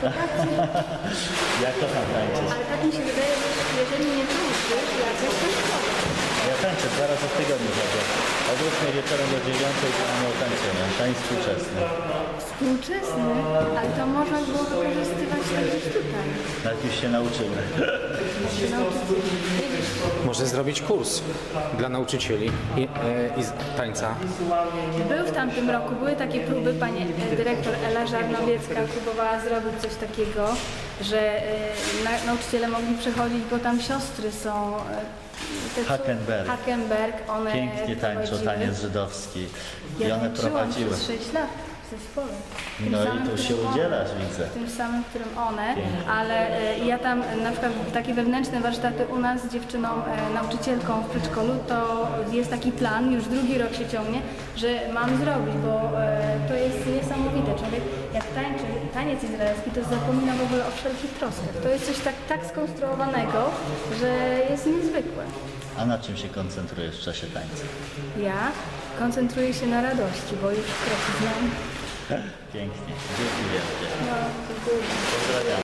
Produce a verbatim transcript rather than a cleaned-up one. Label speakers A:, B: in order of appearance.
A: to tak,
B: Ja kocham tańczyć.
A: ale tak mi się wydaje, że jeżeli nie tańczysz, jakoś to szkoda.
B: Ja tańczę dwa razy w tygodniu chodzę. Od ósmej wieczorem do dziewiątej to mamy otańczenia. Tańc współczesny.
A: Współczesny, ale to można było wykorzystywać też tutaj.
B: Nawet już się nauczymy.
C: Może zrobić kurs dla nauczycieli i, e, i z tańca.
A: Był w tamtym roku, były takie próby, pani e, dyrektor Ela Żarnowiecka próbowała zrobić coś takiego, że e, na, nauczyciele mogli przechodzić, bo tam siostry są. e, te, co-
B: Hackenberg.
A: Hackenberg, one
B: Pięknie tańczą
A: prowadziły.
B: taniec żydowski. I
A: Ja
B: one
A: tańczyłam
B: prowadziły.
A: przez sześć lat w zespole. Tym
B: No i
A: samym,
B: tu się
A: którym one.
B: udzielasz, widzę.
A: Tym samym, którym one, ale e, ja tam e, na przykład takie wewnętrzne warsztaty u nas z dziewczyną, e, nauczycielką w przedszkolu, to jest taki plan, już drugi rok się ciągnie, że mam zrobić, bo e, to jest niesamowite. Człowiek jak tańczy taniec izraelski, to zapomina w ogóle o wszelkich troskach. To jest coś tak, tak skonstruowanego, że jest niezwykłe.
B: A na czym się koncentrujesz w czasie tańca?
A: Ja koncentruję się na radości, bo już kroki znam.
B: Pięknie. Dzięki wielkie.
A: No, dziękuję.
B: Pozdrawiam.